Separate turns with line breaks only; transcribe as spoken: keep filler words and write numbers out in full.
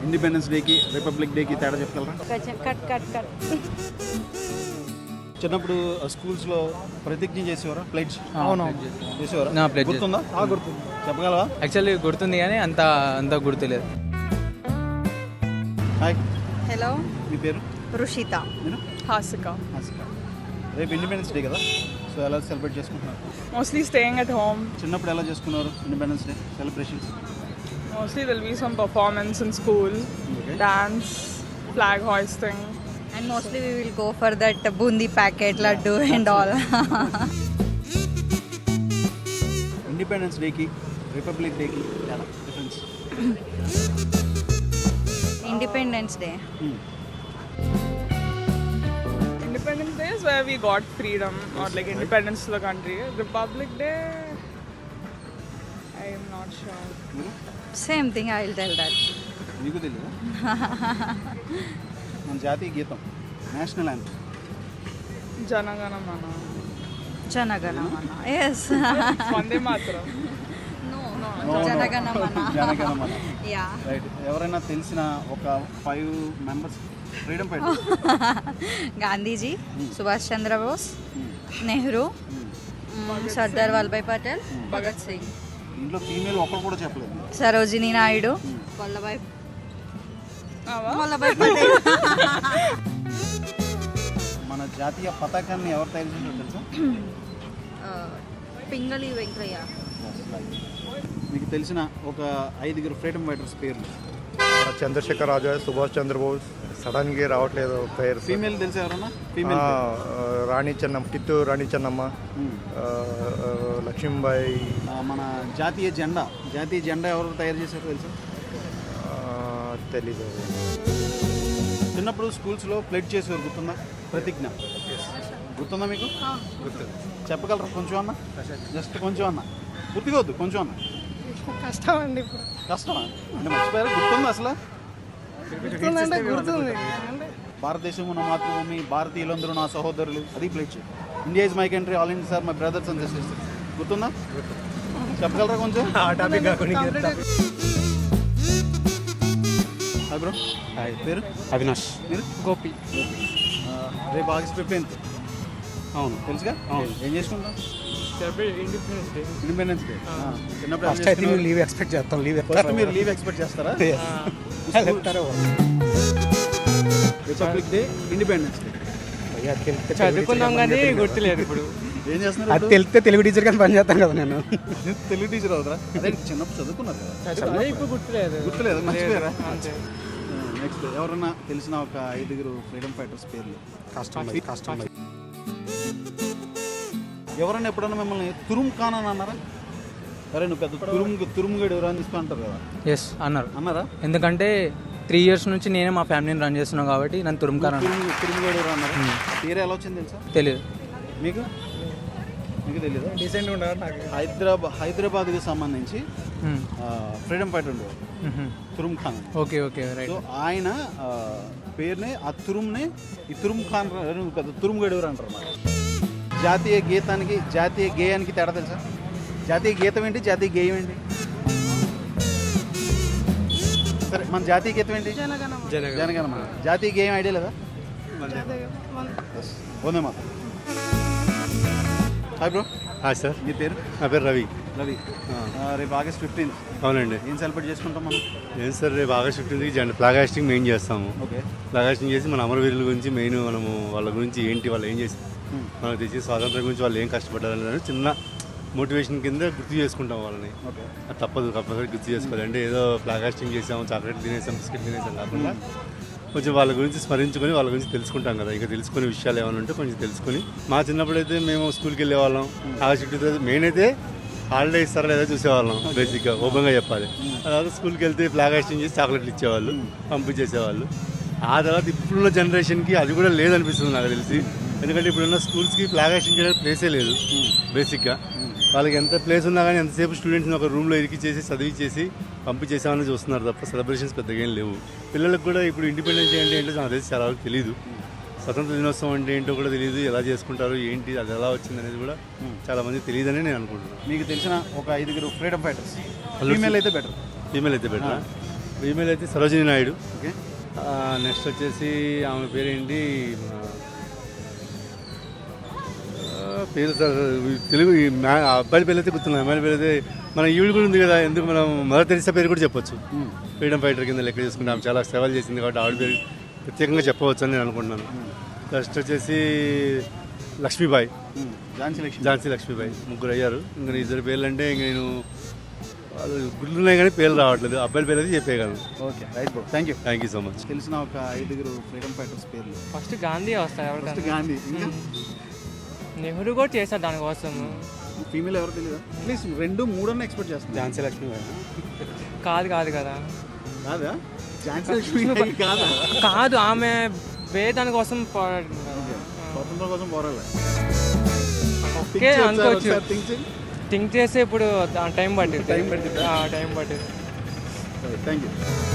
Independence డేకి Republic డేకి తేడా చెప్పగలరా?
కట్ కట్ కట్
చిన్నప్పుడు స్కూల్స్లో ప్రతిజ్ఞ చేసేవారా? ప్లెడ్జ్
అవును
చేసేవారా?
నా pledge
గుర్తుందా? గుర్తుంది. చెప్పగలవా?
యాక్చువల్లీ గుర్తుంది కానీ అంత అంత గుర్తులేదు.
హాయ్,
హలో
మీ పేరు?
రుషిత.
నేను
Hasika.
ఆసిక. రేపు ఇండిపెండెన్స్ డే కదా, సో ఎలా సెలబ్రేట్ చేసుకుంటున్నారు?
Mostly staying at home.
చిన్నప్పుడు ఎలా చేసుకున్నారు Independence Day celebrations?
Mostly there'll be some performance in school,
Okay.
dance, flag hoisting.
And mostly we will go for that bundi packet, laddu and all.
Independence డేకి Republic డేకి ఎలా difference?
Independence Day.
Independence Day is where we got freedom or like independence to the country. Republic Day, I am not sure.
Same thing, I will tell that.
మీకు తెలియదా? మన జాతీయ గీతం, national anthem.
Jana Gana Mana.
Jana Gana Mana. Yes.
Vande Mataram.
No,
No,
no.
no.
Jana Gana Mana.
జన Gana Mana.
Yeah.
Right. ఎవరైనా తెలిసిన ఒక five members freedom fighter?
Gandhiji, Subhash Chandra Bose, Nehru, Sardar Vallabhbhai Patel, Bhagat Singh,
ఇంట్లో ఫీమేల్ ఒక్కరు కూడా చెప్పలేదు.
సరోజినీ నాయుడు, వల్లభాయ్
Ava?
వల్లభాయ్ పటేల్.
మన జాతీయ పతాకాన్ని ఎవరు తయారు చేశారో తెలుసా?
పింగళి వెంకయ్య.
మీకు తెలిసిన ఒక ఐదుగురు ఫ్రీడమ్ ఫైటర్స్ పేర్లు?
చంద్రశేఖర్ ఆజాద్, సుభాష్ చంద్రబోస్, సడన్గా రావట్లేదు పేరు.
ఫీమేల్ తెలుసా ఎవరన్నా?
ఆ,
ఫీమేల్
రాణి చెన్నమ్మ, కిత్తూరు రాణి చెన్నమ్మ, ఆ, ఆ, లక్ష్మీబాయి,
మన జాతీయ జెండా జాతీయ జెండా ఎవరు తయారు చేశారో తెలుసా?
ఆ, తెలీదు.
చిన్నప్పుడు స్కూల్స్లో ప్లెడ్జ్ చేసేవారు, గుర్తుందా? ప్రతిజ్ఞ గుర్తుందా మీకు? చెప్పగలరా కొంచెం అన్న? జస్ట్ కొంచెం అన్న, గుర్తుగా వద్దు, కొంచెం అన్న.
కష్టం అండి ఇప్పుడు.
కష్టమా అంటే మర్చిపోయారు? గుర్తుందా అసలు?
గుర్తుందంటే గుర్తుంది.
భారతదేశము నా మాతృభూమి, భారతీయులందరూ నా సహోదరులు, అది pledge. India is my country, all India sir my brothers and sisters. గుర్తుందా? చెప్పగలరా కొంచెం? Hi bro. హాయ్, పేరు?
అవినాష్.
మీరు?
గోపి.
ఆ, రేపు ఆగస్ట్ ఫిఫ్టీన్త్. అవును, తెలుసుగా. అవును. ఏం చేసుకుంటాం?
Independence Day.
Independence Day. చిన్నప్పుడు
ఫస్ట్ అయితే మేము లీవ్ ఎక్స్పెక్ట్ చేస్తాం. లీవ్
ఫస్ట్ మీరు లీవ్ ఎక్స్పెక్ట్ చేస్తారా? రిపబ్లిక్ డే, ఇండిపెండెన్స్ డే
చదువుకున్నాం కానీ గుర్తులేదు ఇప్పుడు.
ఏం చేస్తున్నారు?
అది తెలిస్తే తెలుగు టీచర్ కానీ పని చేస్తాను కదా నేను.
తెలుగు టీచర్ అవుతారా? అదే చిన్నప్పుడు చదువుకున్నారు కదా.
ఇప్పుడు గుర్తులేదు.
గుర్తులేదు, మర్చిపోయారా? నెక్స్ట్ ఎవరన్నా తెలిసిన ఒక ఐదుగురు ఫ్రీడమ్ ఫైటర్స్ పేర్లు?
కష్టం కష్టం.
ఎవరైనా ఎప్పుడన్నా మిమ్మల్ని తురుమ్ ఖాన్ అని అన్నారా? అరే నువ్వు పెద్ద తురుము తురుముగడు ఎవరు అని చెప్పి అంటారు కదా,
ఎస్ అన్నారు.
అన్నారా?
ఎందుకంటే త్రీ ఇయర్స్ నుంచి నేనే మా ఫ్యామిలీని రన్ చేస్తున్నాను కాబట్టి నన్ను తురుముకారు అన్నారు.
తురుము తురుముగడు ఎవరు అన్నారా? పేరు ఎలా వచ్చింది తెలుసా?
తెలియదు.
మీకు మీకు తెలియదు?
డీసెంట్ ఉండదు నాకు.
హైదరాబాద్ హైదరాబాద్కి సంబంధించి ఫ్రీడమ్ ఫైటర్ ఉండేవారు, తురుమ్ ఖాన్ అని.
Okay okay right.
సో ఆయన ఆ, పేరునే ఆ తురుమ్నే ఈ తురుమ్ ఖాన్ ర- పెద్ద తురుముగడు ఎవరు అంటారు అన్నమాట. జాతీయ గీతానికి జాతీయ గేయానికి తేడా తెలుసా? జాతీయ గీతం ఏంటి, జాతీయ గేయం ఏంటి? సరే, మన జాతీయ గీతం ఏంటి? జనగణమన. జాతీయ గేయం ఐడియా లేదా? వందే మాత. Hi bro.
హాయ్ సార్,
మీ పేరు?
నా పేరు రవి.
రవి. ఆ, రేపు ఆగస్ట్ ఫిఫ్టీన్త్
అవునండి.
ఏం సెలబ్రేట్ చేసుకుంటాం మనం?
ఏం సార్, రేపు ఆగస్ట్ ఫిఫ్టీన్త్కి జెండా ఫ్లాగ్ హాస్టింగ్ మెయిన్ చేస్తాము.
ఓకే.
ఫ్లాగ్ హాస్టింగ్ చేసి మన అమరవీరుల గురించి మెయిన్ మనము వాళ్ళ గురించి ఏంటి, వాళ్ళు ఏం చేసి మనకు తెచ్చి స్వాతంత్రం గురించి వాళ్ళు ఏం కష్టపడ్డారని చిన్న మోటివేషన్ కింద గుర్తు చేసుకుంటాం వాళ్ళని.
ఓకే.
అది తప్పదు, కంపల్సరీ గుర్తు చేసుకోవాలి. అంటే ఏదో ఫ్లాగ్ హాస్టింగ్ చేసాము, చాక్లెట్ తినేసాం, బిస్కెట్ తినేసాం కాకుండా కొంచెం వాళ్ళ గురించి స్మరించుకొని వాళ్ళ గురించి తెలుసుకుంటాం కదా. ఇంకా తెలుసుకునే విషయాలు ఏమైనా ఉంటే కొంచెం తెలుసుకొని, మా చిన్నప్పుడు అయితే మేము స్కూల్కి వెళ్ళేవాళ్ళం. ఆగస్ట్ ఫిఫ్టీన్త్ మెయిన్ అయితే హాలిడే ఇస్తారా లేదా చూసేవాళ్ళం, బేసిక్గా ఓపెన్గా చెప్పాలి. తర్వాత స్కూల్కి వెళ్తే ఫ్లాగ్ హాస్టింగ్ చేసి చాక్లెట్లు ఇచ్చేవాళ్ళు, పంపించేసేవాళ్ళు. ఆ తర్వాత ఇప్పుడున్న జనరేషన్కి అది కూడా లేదనిపిస్తుంది నాకు తెలిసి. ఎందుకంటే ఇప్పుడున్న స్కూల్స్కి ఫ్లాగ్ హాస్టింగ్ చేయడానికి ప్లేసే లేదు బేసిక్గా. వాళ్ళకి ఎంత ప్లేస్ ఉన్నా కానీ ఎంతసేపు స్టూడెంట్స్ని ఒక రూమ్లో ఇరికిచ్చేసి చదివించేసి పంపించేసామని చూస్తున్నారు తప్ప సెలబ్రేషన్స్ పెద్దగా ఏం లేవు. పిల్లలకు కూడా ఇప్పుడు ఇండిపెండెన్స్ డే అంటే ఏంటో నాకు తెలిసి చాలా వరకు తెలియదు. స్వతంత్ర దినోత్సవం అంటే ఏంటో కూడా తెలియదు, ఎలా చేసుకుంటారు ఏంటి, అది ఎలా వచ్చింది అనేది కూడా చాలా మంది తెలియదని నేను అనుకుంటున్నాను.
మీకు తెలిసిన ఒక ఐదుగురు ఫ్రీడమ్ ఫైటర్స్, ఫీమేల్ అయితే బెటర్.
ఫీమేల్ అయితే బెటర్. ఫీమేల్ అయితే సరోజిని నాయుడు.
ఓకే.
నెక్స్ట్ వచ్చేసి ఆమె పేరేంటి ఆ, పేరు సార్ తెలుగు ఈ మ్యా- ఆ అబ్బాయి పేరు అయితే గుర్తున్నాయి. అమ్మాయిల పేరు అయితే మన ఈవిడ కూడా ఉంది కదా, ఎందుకు మనం మదర్ తెరిసా పేరు కూడా చెప్పొచ్చు. ఫ్రీడమ్ ఫైటర్ కింద లెక్క చేసుకుంటే ఆమె చాలా సేవలు చేసింది కాబట్టి ఆవిడ పేరు ప్రత్యేకంగా చెప్పవచ్చు అని నేను అనుకుంటున్నాను. నెక్స్ట్ వచ్చేసి లక్ష్మీబాయి,
ఝాన్సీ లక్ష్మి.
ఝాన్సీ లక్ష్మీబాయి, ముగ్గురు అయ్యారు. ఇంకా ఇద్దరు పేర్లు అంటే ఇంక నేను వాళ్ళు గుడ్లు ఉన్నాయి కానీ పేర్లు రావట్లేదు. అబ్బాయిల పేరు అయితే చెప్పేయగలను.
Okay right bro, thank you.
Thank you so much.
తెలిసిన ఒక ఐదుగురు ఫ్రీడమ్ ఫైటర్స్ పేర్లు.
ఫస్ట్ గాంధీ వస్తాయి
ఫస్ట్
ఎవరికైనా.
గాంధీ, ఇంకా
నెహ్రూ కూడా చేశారు దానికోసం.
ఫీమేల్ ఎవరు తెలియదా? ప్లీజ్ రెండు మూడు అన్న ఎక్స్పెక్ట్ చేస్తాను.
ఝాన్సీ లక్ష్మీబాయి
కాదు కాదు కదా
కాదా? ఝాన్సీ లక్ష్మి కాదా?
కాదు, ఆమె వేరే దానికోసం పోరాడింది కదా.
స్వతంత్రం కోసం పోరాలి.
ఓకే అనుకోవచ్చు.
థింక్ చేయి.
థింక్ చేస్తే ఇప్పుడు టైం పట్టింది.
టైం పట్టిందా?
టైం పట్టింది.
Thank you.